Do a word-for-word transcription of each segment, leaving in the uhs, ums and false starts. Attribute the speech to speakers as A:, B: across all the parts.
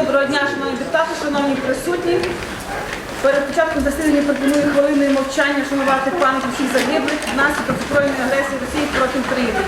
A: Доброго дня, шановні депутати, шановні присутні. Перед початком засідання пропоную хвилиною мовчання шанувати пам'ять усіх загиблих внаслідок збройної агресії Росії проти України.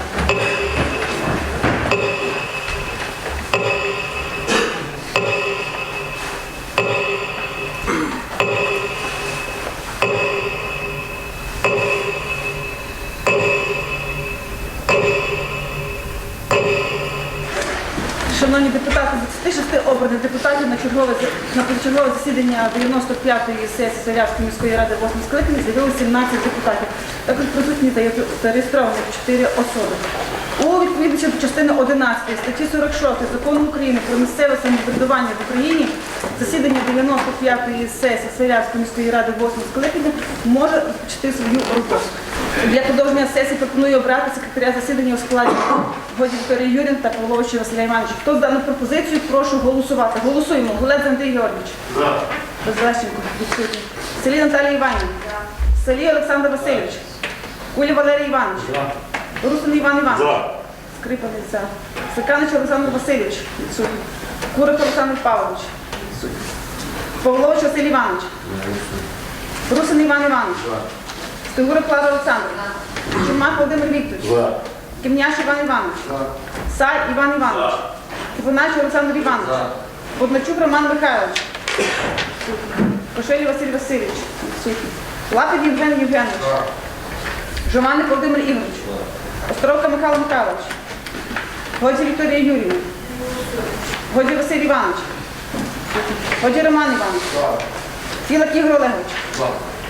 A: Шановні депутати, з двадцяти шести обраних депутатів на чергове, на позачергове засідання дев'яносто п'ятої сесії Свалявської міської ради восьмого скликання з'явилося сімнадцять депутатів. Також присутні та зареєстровані чотири особи. У відповідності до частини одинадцятої статті сорок шостої Закону України про місцеве самоврядування в Україні засідання дев'яносто п'ятої сесії Свалявської міської ради восьмого скликання може розпочати свою роботу. Для продовження сесії пропоную обрати секретаря засідання у складі Годі Вікторії Юріївни та Павловича Василя Івановича. Хто за дану пропозицію, прошу голосувати. Голосуємо. Гулець Андрій Георгійович. За. Безлещенко. Відсутній. Селі Наталія Іванівна. Селі Олександр Васильович. Куля Валерій Іванович. За. Русин Іван Іванович. За. Скрипаний. За. Саканич Олександр Васильович. Відсутній. Курик Олександр Павлович. Відсутній. Павлович Василь Іванович. Русин Іван Іванович. За. Стегура Клара Олександровна. Чумак Володимир Вікторович. За. Кімняш Іван Іванович. За. Сай Іван Іванович. Кивонач Олександр Іванович. За. Бодначук Роман Михайлович. Кошелі Василь Васильович. Лапів Євген Євгенович. За. Жованик Володимир Ігорович. За. Островка Михайло Михайлович. Годі Вікторія Юріївна. Годі Василь Іванович. Годі Роман Іванович. За. Філак Ігор Олегович. За.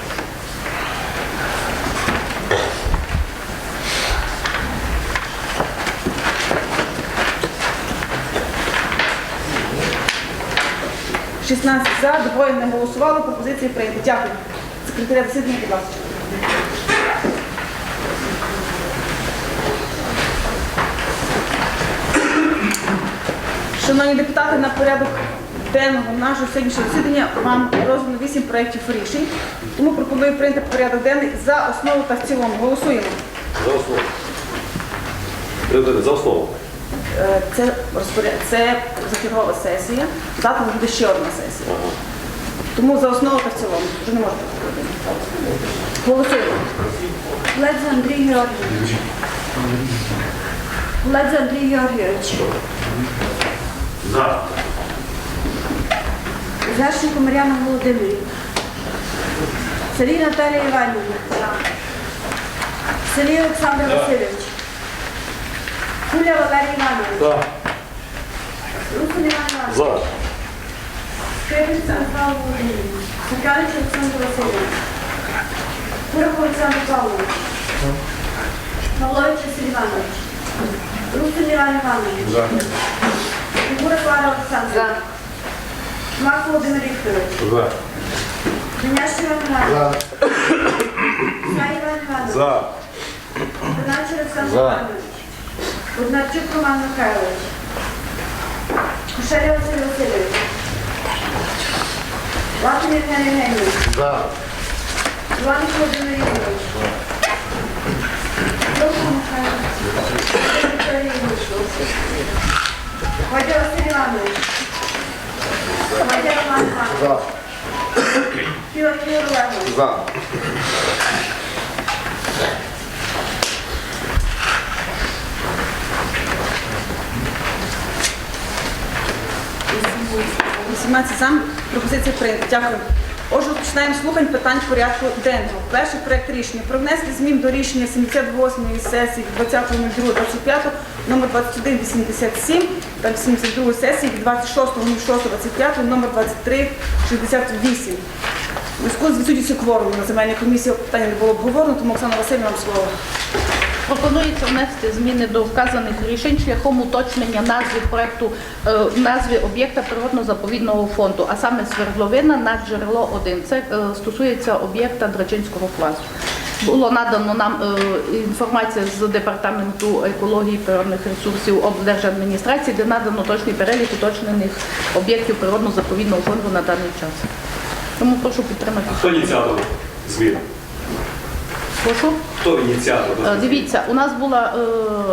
A: шістнадцять за, двоє не голосували, пропозиції прийняті. Дякую. Секретаря засідання, будь ласка. Шановні депутати, на порядок денного нашого сьогоднішнього засідання вам роздано вісім проєктів рішень. Тому пропоную прийняти порядок денний за основу та в цілому. Голосуємо.
B: За основу. За основу.
A: Це, розпоряд... Це закергова сесія, завтра буде ще одна сесія. Ага. Тому за основу та в цілому. Вже не можна. Голосуємо.
C: Ледзе Андрій Георгійович. Ледзе Андрій Георгійович.
B: За.
C: Зашенко Мар'яна Володимирівна. Селі Наталія Іванівна. Селі Олександр Васильович. Куля Валерій Іванович.
B: За.
C: Русин Іван Іванович.
B: За.
C: Скрипець Михайло Володимирович. Саканич Олександр Васильович. Курик Олександр Павлович. Павлович Василь Іванович. Русин Іван Іванович.
B: За.
C: Фігура Клара Олександровна. Шмак Володимир Вікторович.
B: За.
C: Княж Іван Іванович. Сай Іван Іванович.
B: За.
C: Донач Олександр
B: За.
C: Іванович. Боднарчук Роман Михайлович. Кошеля Василь Васильович. Лапін Євген Євгенович.
B: За.
C: Іванович Володимир Ігорович. Довго Михайло. Вікторія Ігорович. Водя Василь Іванович. Водя Роман Іванович.
B: За.
C: Філак Ігор Олегович.
B: За.
A: вісімнадцять за, пропозиція прийнята. Дякую. Отже, починаємо слухань питань порядку денного. Перший проєкт рішення про внесення змін до рішення сімдесят восьмої сесії двадцятого другого двадцять п'ятого номер двадцять один вісімдесят сім та сімдесят другої сесії двадцять шостого шостого двадцять п'ятого номер двадцять три шістдесят вісім. У зв'язку з відсутністю кворуму на земельній комісії питання не було обговорено, тому Оксана Васильівна, вам слово.
D: Пропонується внести зміни до вказаних рішень шляхом уточнення назви проекту, е, назви об'єкта природно-заповідного фонду, а саме Свердловина над джерело один. Це е, стосується об'єкта Драчинського плазу. Було надано нам е, інформація з департаменту екології і природних ресурсів облдержадміністрації, де надано точний перелік уточнених об'єктів природно-заповідного фонду на даний час. Тому прошу підтримати.
B: Хто ініціатор змін?
D: Прошу.
B: Хто ініціатор?
D: Дивіться, у нас була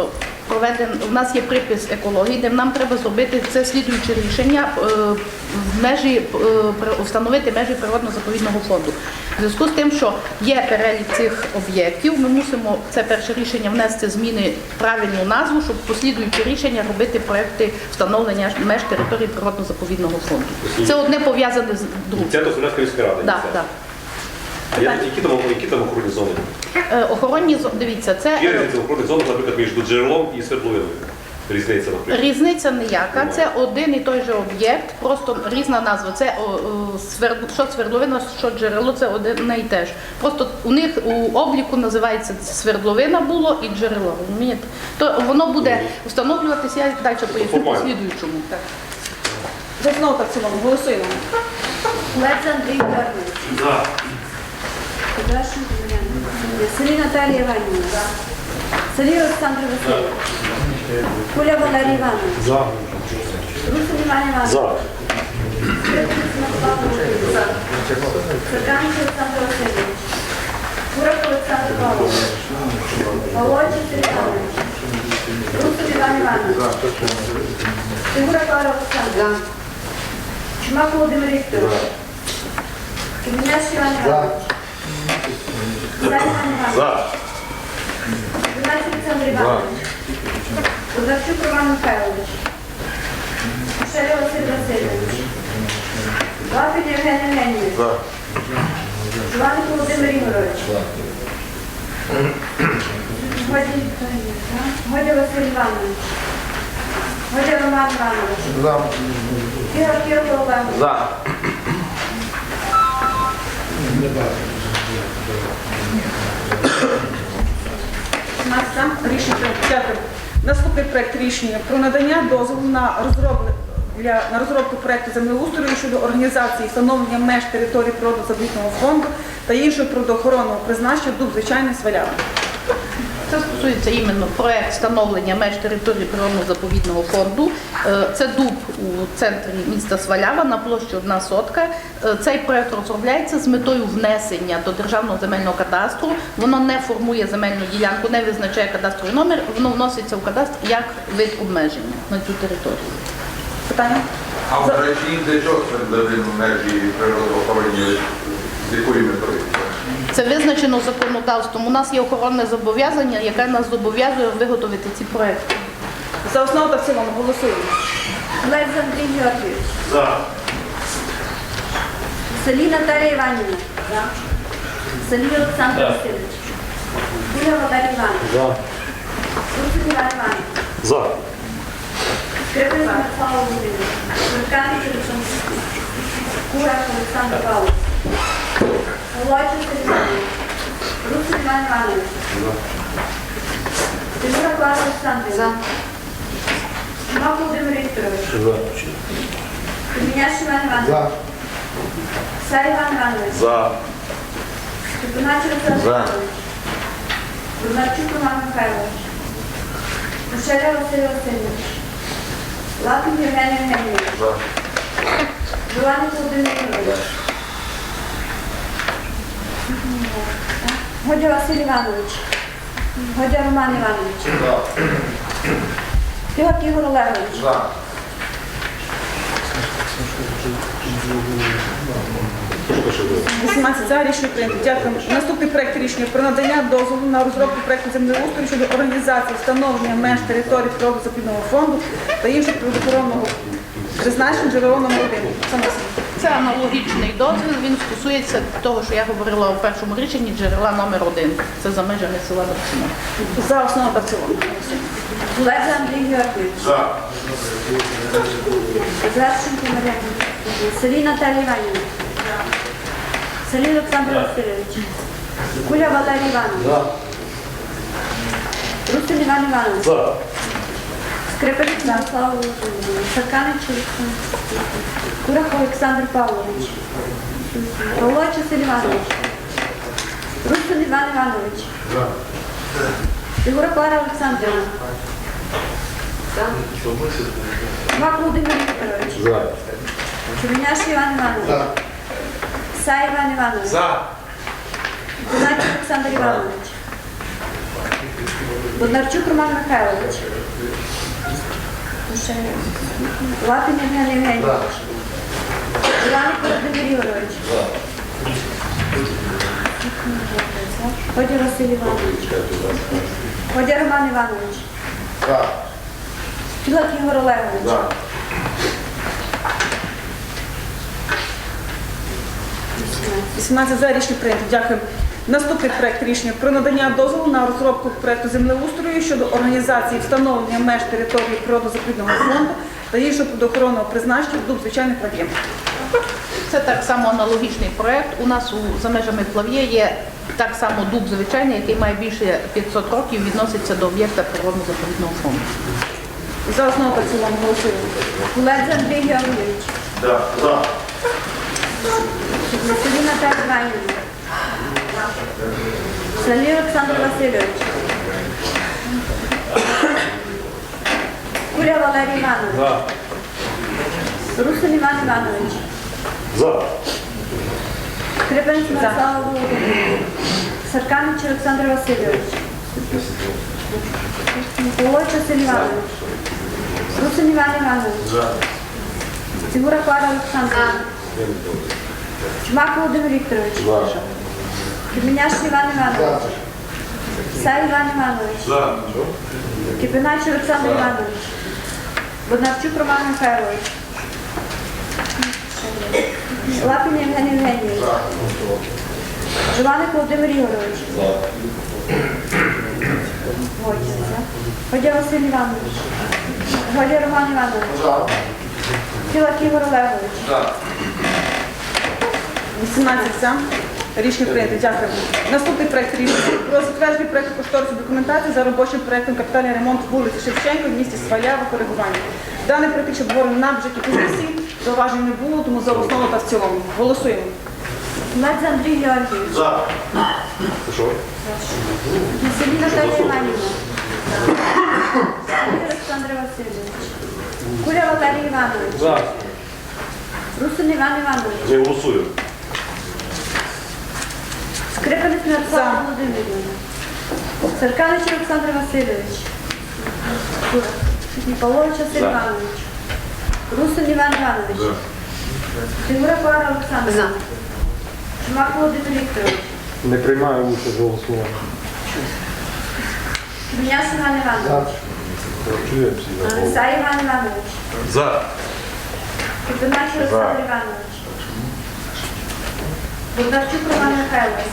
D: проведен, у нас є припис екології, де нам треба зробити це слідуюче рішення, е, в межі, е, при- встановити межі природно-заповідного фонду. В зв'язку з тим, що є перелік цих об'єктів, ми мусимо це перше рішення внести зміни в правильну назву, щоб послідуючі рішення робити проекти встановлення меж території природно-заповідного фонду. Це одне пов'язане з другим.
B: Це до Сумської міської ради.
D: Так, так.
B: А я- які там, які там охоронні зони?
D: Е, Охоронні зо- дивіться, це
B: Є
D: е,
B: різниця в охоронних зонах, наприклад, між джерелом і свердловиною. Різниця, наприклад.
D: різниця ніяка. Це один і той же об'єкт, просто різна назва. Це о, о, сверд- що свердловина, що джерело, це одне і те ж. Просто у них у обліку називається свердловина було і джерело. Розумієте? То воно буде встановлюватися, я далі поясню по
B: Формально.
D: слідуючому.
A: За основу та в цілому. Голосуємо.
C: Лець Андрій Георгійович.
B: За.
C: Кудрашенко Мар'яна. Селі Наталія Іванівна. Селі Олександр Васильович. Куля Валерій Іванович.
B: За.
C: Русин Іван Іванович.
B: За.
C: Скрипник Мирослав Володимирович. Церканич Олександр Васильович. Курак Олександр Павлович. Володчий Сергій Іванович. Русин Іван Іванович. Фігура Клара Олександровна. Чумак Володимир Вікторович. Кремінець Іван Іванович. Зай Іван Іванович.
B: За.
C: Геннадій Олександр Іванович. Козарчук Роман Михайлович. Шелі Василь Васильович. Лапін Євген Євгенійович. Жуваник Володимир Ігорович. Годя Годя Василь Іванович. Годя Роман Іванович. Ігор Кирило Олегович.
B: За.
A: шістнадцять. Рішення прийнято. Дякую. Наступний проект рішення про надання дозволу на розроблення для на розробку проекту землеустрою щодо організації і встановлення меж території природно-заповідного фонду та іншого природоохоронного призначення дуб звичайний Свалява.
D: Це стосується іменно проект встановлення меж території природно-заповідного фонду. Е, Це дуб у центрі міста Свалява на площі одна сотка. Е, Цей проект розробляється з метою внесення до Державного земельного кадастру. Воно не формує земельну ділянку, не визначає кадастровий номер, воно вноситься в кадастр як вид обмеження на цю територію.
A: Питання?
E: А в речі, для чого свердловину межі природоохоронні, з якої метою?
D: Це визначено законодавством. У нас є охоронне зобов'язання, яке нас зобов'язує виготовити ці проекти.
A: За основу та в цілому. Голосуємо.
C: Лець Андрій Георгійович.
B: За.
C: Селі Наталія Іванівна. Селі Олександр Васильович. Куля Валерій Іванович.
B: За.
C: Русин Іван Іванович.
B: За.
C: Скрипник Мирослав Володимирович. Церканич Олександр Васильович. Курак Олександр Павлович. Володчий Сергій Іванович. Русин Іван Іванович. Фігура Клара Олександрівна. Чумак Володимир Вікторович. Кремінець Іван Іванович. Сай Іван Іванович.
B: За.
C: Степанач Олександр Іванович. Козарчук Роман Михайлович. Мушеля Василь Васильович. Лапін Євген Євгенійович. Жуваник Володимир Ігорович. Годя Василь Іванович. Годя Роман Іванович. Фігак Ігор Олегович.
E: За.
A: вісімнадцять за. Рішення прийнято. Дякую. Наступний проект рішення про надання дозволу на розробку проекту землеустрою щодо організації встановлення меж території природно-заповідного фонду та іншого природоохоронного призначення джерело номер один. Оксана Василівна.
D: Це аналогічний дозвіл, він стосується того, що я говорила у першому рішенні, джерела номер один. Це за межами села Добсіно.
A: За основу та в цілому. Голосуємо.
C: Лець Андрій Георгійович.
B: За.
C: Звершенко Мар'яна. Селі Наталія Іванівна. Селі Олександр Васильович. Куля Валерій Іванович. Русин Іван Іванович.
B: За.
C: Скрипник Мирослав Володимирович. Церканич Олександр. Курах Олександр Павлович. Володчий Сергій Іванович. Русин Іван Іванович. Фігура Клара Олександрівна. Чумак Володимир Вікторович.
B: За.
C: Кремінець Іван Іванович. Сай Іван Іванович.
B: За.
C: Геннадій Олександр Іванович. Бондарчук Роман Михайлович. Ще Лапін Євген Євгенійович. Іваник Володимир Ігорович. Ходя Василь Іванович. Ходя Роман Іванович. Філак Ігор Олегович.
A: вісімнадцять за, рішення прийнято. Дякую. Наступний проект рішення про надання дозволу на розробку проекту землеустрою щодо організації встановлення меж території природно-заповідного фонду та іншого природоохоронного призначення вдовж звичайних плав'їв.
D: Це так само аналогічний проект. У нас у, за межами Плав'є є так само дуб звичайний, який має більше п'ятсот років, відноситься до об'єкта природно-заповідного фонду.
A: За основу та в цілому голосуємо.
C: Гулець Андрій Георгійович.
E: Да. За.
C: Василій Наталія Іванівна. Салій Олександр Васильович. Куля Валерій Іванович. Русин Іван Іванович.
B: За.
C: Скрипинець Мирослава Володимирівна. Сарканич Олександр Васильович. Волоч Василь Іванович. Русин Іван Іванович. Фігура Клара Олександровна. Чумак Володимир Вікторович. Кременяш Іван Іванович. Сай Іван Іванович. Кипинач Олександр Іванович. Бондарчук Роман Михайлович. Лапін Євген Євгенійович. Жуваник Володимир Ігорович. Войця. Ходя Василь Іванович. Ходя Роман Іванович. Філак Ігор Олегович.
A: вісімнадцять за. Рішення прийнято. Дякую. Наступний проект рішення про затвердження проекту кошторисної документації за робочим проектом капітальний ремонт вулиці Шевченка в місті Свалява коригування. Даний проект ще обговорений на бюджеті комісії. Зауважень не було, тому за основу та в цілому. Голосуємо.
C: Гулець Андрій Георгійович.
E: За.
C: Василій Наталія Іванівна. Салій Олександр Васильович. Куля Валерій Іванович.
B: За.
C: Русин Іван Іванович.
B: Не голосую.
C: Скрипинець
A: За.
C: Мирослава Володимирівна. Сарканич Олександр Васильович. Ніколович Василь
B: За.
C: Іванович. Русин Іван Іванович. Фігура Клара Олександровна. Чумак Володимир Вікторович.
F: Не приймаю участь в голосуванні.
C: Кременяш Іван Іванович. Сай Іван Іванович.
B: За.
C: Кипинач Олександр Іванович. Бондарчук Роман Михайлович.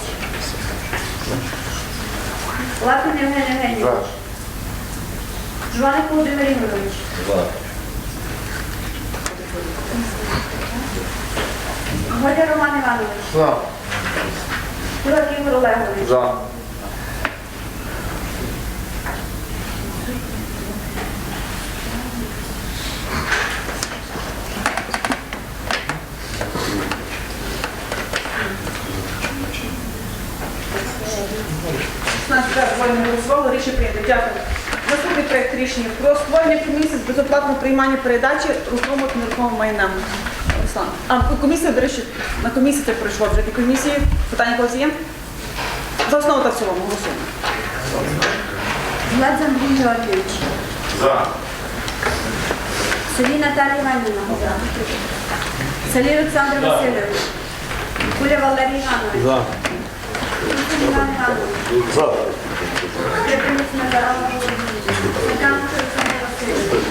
C: Лапін Євген Євгенійович. Жуваник Володимир Ігорович. Годя Роман Іванович.
E: За.
C: Філак Ігор Олегович.
E: За.
A: шістнадцять за, двоє не голосувало. Рішення прийнято. Дякую. Наступний проект рішення про створення комісії з безоплатного приймання передачі рухомого та нерухомого майна. Руслан. А, комісія, до речі, на комісії це пройшло вже. Ті комісії. Питання когось є? За основу та в цілому голосуємо.
C: Гулець Андрій Георгійович.
E: За.
C: Салій Наталія Іванівна. Салій Олександр Васильович. Куля Валерій Іванович.
F: За.
C: Русин Іван Іванович.
B: За.
C: Скрипинець Мирослава Володимирівна. Сарканич Олександр Васильович.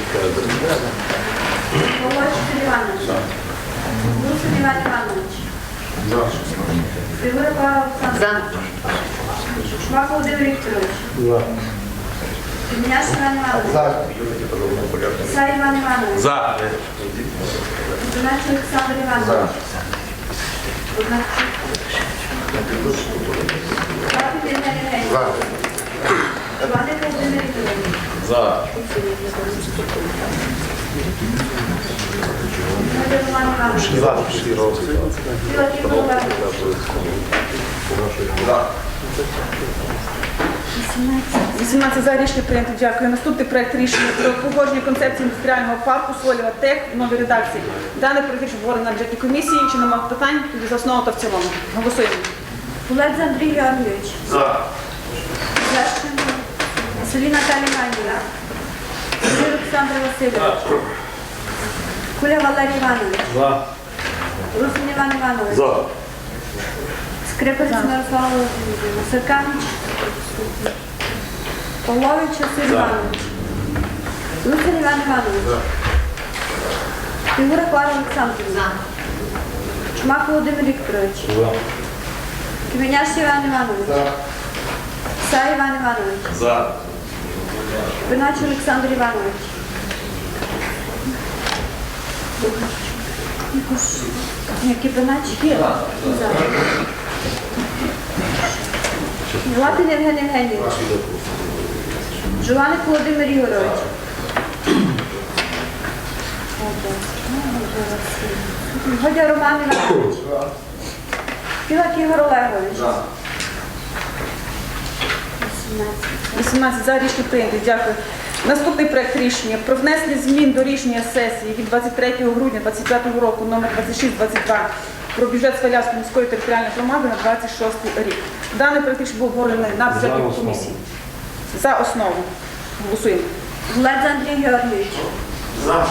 C: Волоч Василь Іванович. Русин Іван Іванович. Фігура Клара Олександровна. Шмак Володимир Вікторович.
F: За.
C: Кременяш Іван Іванович. Сай Іван Іванович.
B: За.
C: Кипинач Олександр Іванович. Бондарчук. Лапін Євген Євгенійович. Жуваник Володимир Вікторович.
B: За.
C: Ходя Роман Іванович. Філак Ігор Олегович.
E: За.
A: вісімнадцять за, рішення прийнято. Дякую. Наступний проект рішення про погодження концепції індустріального парку Солєва Тех в новій редакції. Даний проект обговорений на бюджетній комісії. Чи немає питань? Тоді за основу та в цілому. Голосуємо.
C: Гулець Андрій Георгійович.
E: За.
C: Лещенко Селі Наталія Іванівна. Селі Олександр Васильович. Куля Валерій Іванович.
F: За.
C: Русин Іван Іванович.
B: За.
C: Скрипець Мирослава Володимирівна. Сиркан. Павлович Василь Іванович. Русин Іван Іванович. Фігура Клара Олександрівна. Чумак Володимир Вікторович.
F: За.
C: Кивеняш Іван Іванович. Сай Іван Іванович.
B: За.
C: Бинач Олександр Іванович. Який Бинач? За. Лапін Євген Євгенійович. Жуваник Володимир Ігорович. Годя Роман Іванович. Пілак Ігор Олегович.
A: вісімнадцять за, рішення прийнято. Дякую. Наступний проект рішення про внесення змін до рішення сесії від двадцять третього грудня двадцять п'ятого року номер двадцять шість двадцять два про бюджет Свалявської міської територіальної громади на двадцять шостий рік. Даний проект рішення був обговорений на
F: За
A: бюджетній
F: основу.
A: комісії. За основу. Голосуємо.
C: Гледз Андрій Георгійович. За.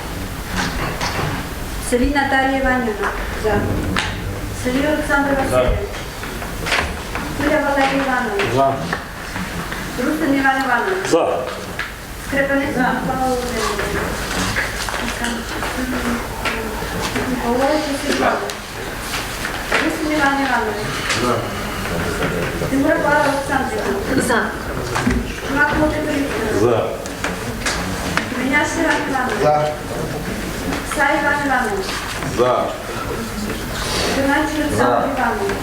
C: Селі Наталія Іванівна. За. Селі Олександр Васильович. Куля Валерій Іванович.
F: За.
C: Русин Іван Іванович.
B: За.
C: Скрипенець Мирослава Володимирівна. Павлович Василь Іванович. Русин Іван Іванович. За. Фігура Клара Олександрівна. За. Чумак Володимир Вікторович.
B: За.
C: Кивеняш Іван Іванович.
E: За.
C: Сай Іван Іванович.
E: За.
C: Бинач Олександр Іванович.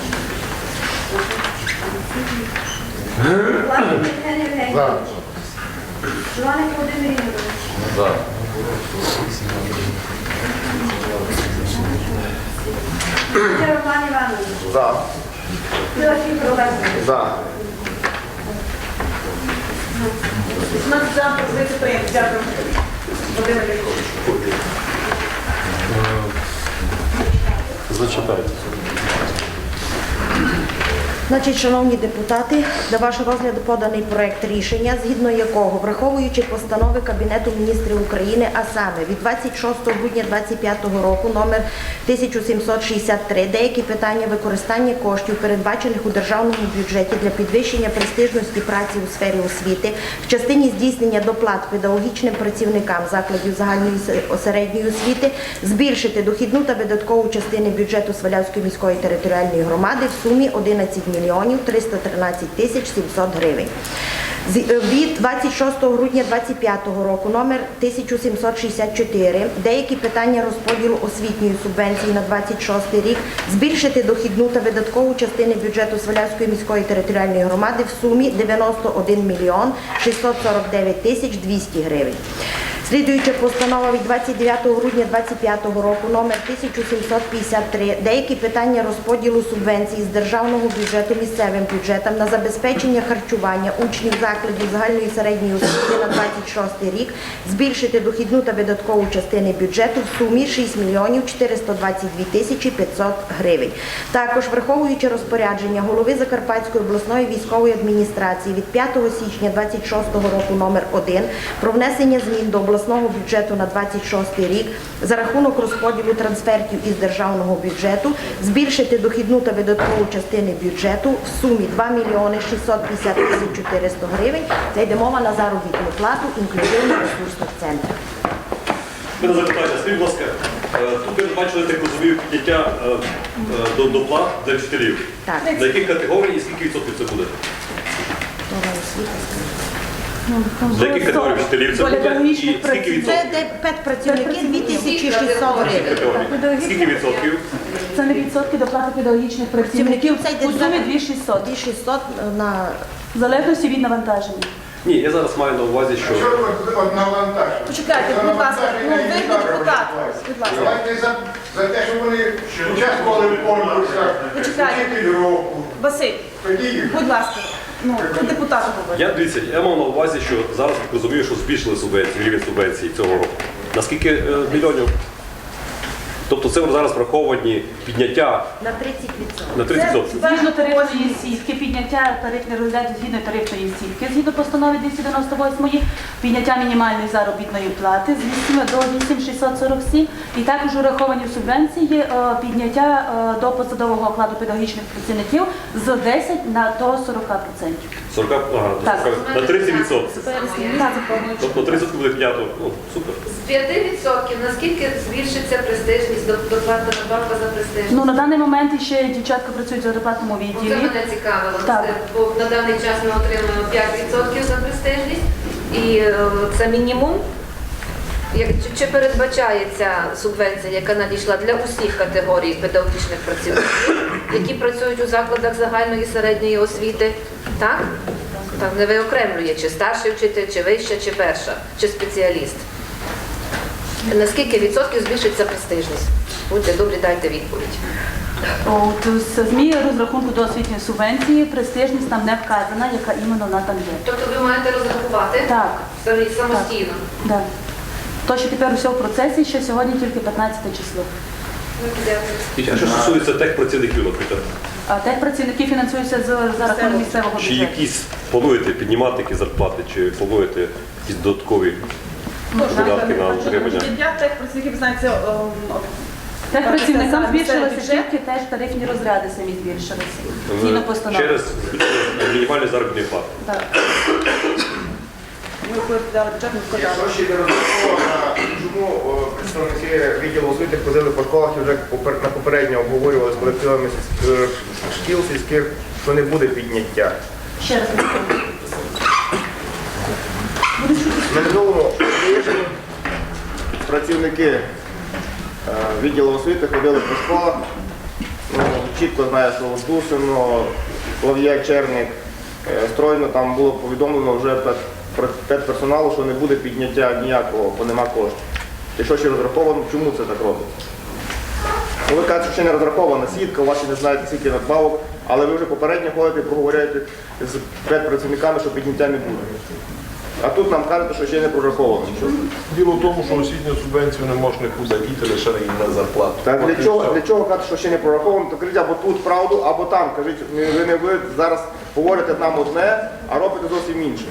C: Лапін Євген Євгенійович. Жуваник Володимир Ігорович.
E: За.
C: Годя Роман Іванович.
E: За.
C: Пілак Ігор Олегович.
E: За.
A: вісімнадцять за, пропозиція прийнята. Дякую. Володимир Вікторович.
F: Зачитайте.
G: Значить, шановні депутати, до вашого розгляду поданий проект рішення, згідно якого, враховуючи постанови Кабінету міністрів України, а саме від двадцять шостого грудня двадцять п'ятого року номер тисяча сімсот шістдесят три, деякі питання використання коштів, передбачених у державному бюджеті для підвищення престижності праці у сфері освіти, в частині здійснення доплат педагогічним працівникам закладів загальної середньої освіти, збільшити дохідну та видаткову частини бюджету Свалявської міської територіальної громади в сумі одинадцять мільйонів триста тринадцять тисяч сімсот гривень. З- Від двадцять шостого грудня двадцять п'ятого року номер тисяча сімсот шістдесят чотири деякі питання розподілу освітньої субвенції на двадцять шостий рік збільшити дохідну та видаткову частини бюджету Свалявської міської територіальної громади в сумі дев'яносто один мільйон шістсот сорок дев'ять тисяч двісті гривень. Слідуюча постанова від двадцять дев'ятого грудня двадцять п'ятого року номер тисяча сімсот п'ятдесят три деякі питання розподілу субвенцій з державного бюджету місцевим бюджетам на забезпечення харчування учнів закладів загальної середньої освіти на двадцять шостий рік збільшити дохідну та видаткову частини бюджету в сумі шість мільйонів чотириста двадцять дві тисячі п'ятсот гривень. Також, враховуючи розпорядження голови Закарпатської обласної військової адміністрації від п'ятого січня двадцять шостого року номер один про внесення змін до обласного бюджету на двадцять шостий рік за рахунок розподілу трансфертів із державного бюджету збільшити дохідну та видаткову частини бюджету в сумі два мільйони шістсот п'ятдесят тисяч чотириста гривень. Це йде мова на заробітну плату інклюзивних ресурсних центрів.
B: Мене запитання, скажіть, будь ласка, е, тут ви бачили, так розумію, підняття е, е, до доплат для вчителів.
G: Так.
B: За яких категорій і скільки відсотків це буде? За яких категорій вчителів це
A: Доля
B: буде і
A: педагогічних
B: скільки
A: працівників.
G: Це
B: відсотків?
G: де педпрацівники дві тисячі шістсот гривень.
B: Категорій. Скільки відсотків?
A: Це не відсотки доплати педагогічних працівників.
G: Це йде
A: У сумі дві тисячі шістсот.
G: дві тисячі шістсот на
A: В залежності від навантаження.
B: Ні, я зараз маю на увазі, що
E: Що ви от навантаження?
A: Почекайте, будь ласка, ну ви депутат, будь ласка.
E: Давайте за, за те, що вони участвували в конкурсах,
A: Почекайте.
E: вчитель року.
A: Василь,
E: Тоді їх.
A: будь ласка, ну, ви депутату говорите.
B: я дивіться, я мав на увазі, що зараз так розумію, що збільшили субвенцію, рівень субвенції цього року. На скільки е, мільйонів? Тобто це зараз враховані підняття
G: На тридцять відсотків.
B: на тридцять відсотків.
C: Згідно тарифної сітки, підняття тарифних розглядів згідно тарифної сітки, згідно постанови двісті дев'яносто восьмої, підняття мінімальної заробітної плати з вісім до вісім тисяч шістсот сорок сім, і також ураховані в субвенції е, підняття е, до посадового окладу педагогічних працівників з десять на до сорок відсотків.
B: сорок, ага,
C: Так.
B: на тридцять відсотків.
C: Так.
B: Тобто на тридцять буде піднято. Ну, супер.
H: З п'яти відсотків наскільки збільшиться престижність, до- доплата надбавка за престижність?
C: Ну, на даний момент ще дівчатка працюють в зарплатному
H: Це
C: відділі.
H: мене цікавило,
C: Так.
H: Це, бо на даний час ми отримуємо п'ять відсотків за престижність, і е, це мінімум. Як, чи, чи передбачається субвенція, яка надійшла для усіх категорій педагогічних працівників, які працюють у закладах загальної і середньої освіти? Так? Так, не виокремлює, чи старший вчитель, чи вища, чи перша, чи спеціаліст. Наскільки відсотків збільшиться престижність? Будьте добрі, дайте відповідь.
C: От, з ЗМІ розрахунку до освітньої субвенції престижність там не вказана, яка іменно вона там є.
H: Тобто ви маєте розрахувати
C: Так.
H: самі- самостійно?
C: Да. То, що тепер усе в процесі, ще сьогодні тільки п'ятнадцяте число.
H: Дякую.
B: А що стосується техпрацівників, наприклад,
C: А техпрацівники фінансуються з за рахунок місцевого
B: чи
C: бюджету.
B: якісь плануєте піднімати які зарплати, чи плануєте якісь додаткові видатки на утримання?
A: Підняття тих працівників, знаєте, ем,
C: Техпрацівникам збільшилися
A: бюджет.
C: тільки теж тарифні розряди самі збільшилися. Згідно постанови.
B: Через мінімальні заробітні плати.
C: Так.
A: Ми коли подали бюджет, ми
I: Я
A: сказали.
I: гроші не розраховував, чому о, представники відділу освіти ходили по школах і вже попер- на попередньо обговорювали з колективами сільсь- е, шкіл сільських, що не буде підняття.
C: Ще раз повторюю.
I: На минулому тижні працівники е, відділу освіти ходили по школах. Ну, чітко знаю, що в Дусино, Лав'я, Черник, е, Стройно там було повідомлено вже пед- про- педперсоналу, що не буде підняття ніякого, бо нема коштів. Якщо ще розраховано, чому це так робиться? Ну, ви кажете, що ще не розрахована сітка, у вас ще не знаєте скільки надбавок, але ви вже попередньо ходите і проговорюєте з педпрацівниками, що підняття не буде. А тут нам кажете, що ще не прораховано.
J: Діло в тому, що освітню субвенцію не можна нікуди діти лише на зарплату.
I: Так для чого, для чого казати, що ще не прораховано, то кажіть або тут правду, або там. Кажіть, ви не ви зараз говорите нам одне, а робите зовсім інше.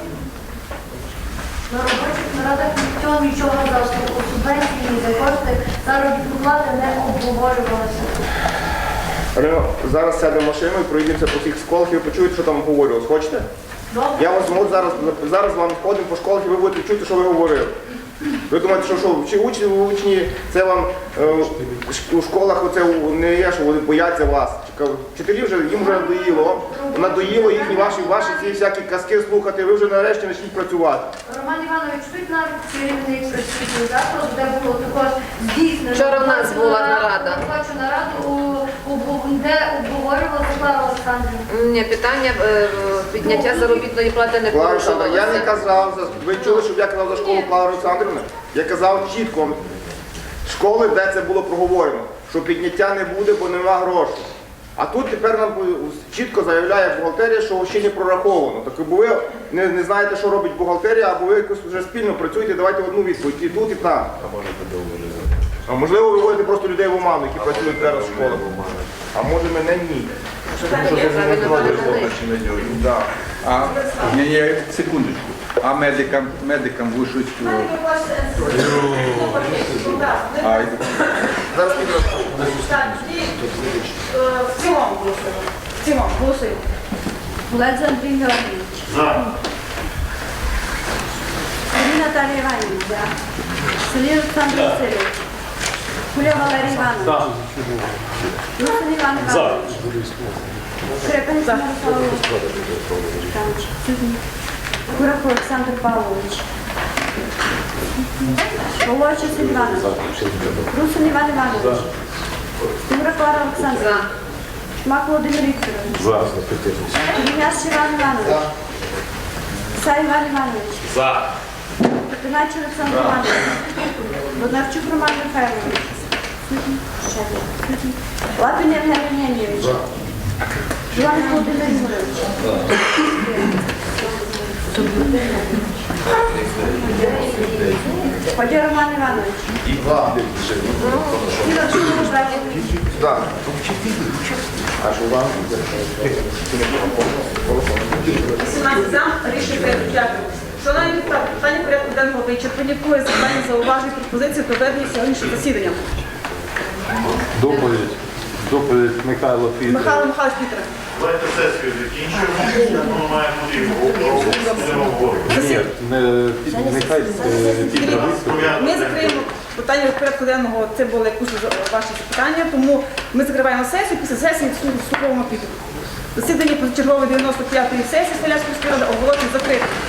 K: На робочих нарадах ніхто нічого за субвенції, ні за кошти заробітну плати не обговорювалося.
I: Рино, зараз сядемо в машину і проїдемося по всіх школах і ви почуєте, що там обговорювалось. Хочете?
K: Добре.
I: Я вас зможу зараз, зараз з вами ходимо по школах і ви будете чути, що ви говорили. Ви думаєте, що, що чи учні, учні, це вам е, у школах оце не є, що вони бояться вас. Вчителі вже, їм вже надоїло, надоїло їхні ваші, ваші ці всякі казки слухати, ви вже нарешті почніть працювати.
K: Роман Іванович, тут навіть керівник присутній закладу, де було також здійснено.
H: Вчора в нас була нарада.
K: Робочу нараду, у- у- де обговорювала Клара Олександрівна.
H: Ні, питання е, підняття заробітної плати не
I: Клара Олександрівна, я не
H: порушувалося.
I: казав, за- ви чули, щоб я казав за школу Клара Олександрівна? Я казав чітко, школи, де це було проговорено, що підняття не буде, бо нема грошей. А тут тепер нам чітко заявляє бухгалтерія, що ще не прораховано. Так бо ви не, не знаєте, що робить бухгалтерія, або ви якось вже спільно працюєте, давайте одну відповідь, і тут, і там. А можливо, ви вводите просто людей в оману, які працюють зараз в школах. А може мене ні.
E: Да. А, ні, ні, секундочку. А медикам, медикам вишуть. А,
I: Зараз піде.
A: Так, і е, в цілому голосуємо. В цілому голосуємо.
C: Олег Андрій Георгійович. Сергій Наталія Іванівна. Сергій Олександр Васильович. Куля Валерій Іванович. Русин Іван Іванович. Скрипець Мирослав Володимирович. Курах Олександр Павлович. Володь Василь Іванович. Русин Іван Іванович. Стура Клара Олександр.
H: За.
C: Шмак Володимир Вікторович. Черняш Іван Іванович. Сай Іван Іванович.
B: За.
C: Петинач Олександр Іванович. Боднарчук Роман Михайлович. Лапін Євгеній Євгенійович. Іван Володимир Юрійович.
A: Подія Роман Іванович. Ціла чудова справа.
I: Так. А що вам?
A: вісімнадцять за, рішення прийнято. Дякую. Шановні депутати, питання порядку денного вичерпані. Коли запитання, зауважень, пропозиції до ведення сьогоднішнього засідання.
F: Доповідь. Доповідь Михайло Фідор.
A: Михайло Михайлович Пітер.
L: Давайте сесію закінчуємо, ми маємо будемо обговорювати.
F: Ні, не, нехай е, Фідор виступить.
A: Ми закриємо питання порядку денного, це були якісь ваші запитання, тому ми закриваємо сесію, після сесії вступимо піду. Засідання позачергової дев'яносто п'ятої сесії Свалявської міської ради оголошую закритим.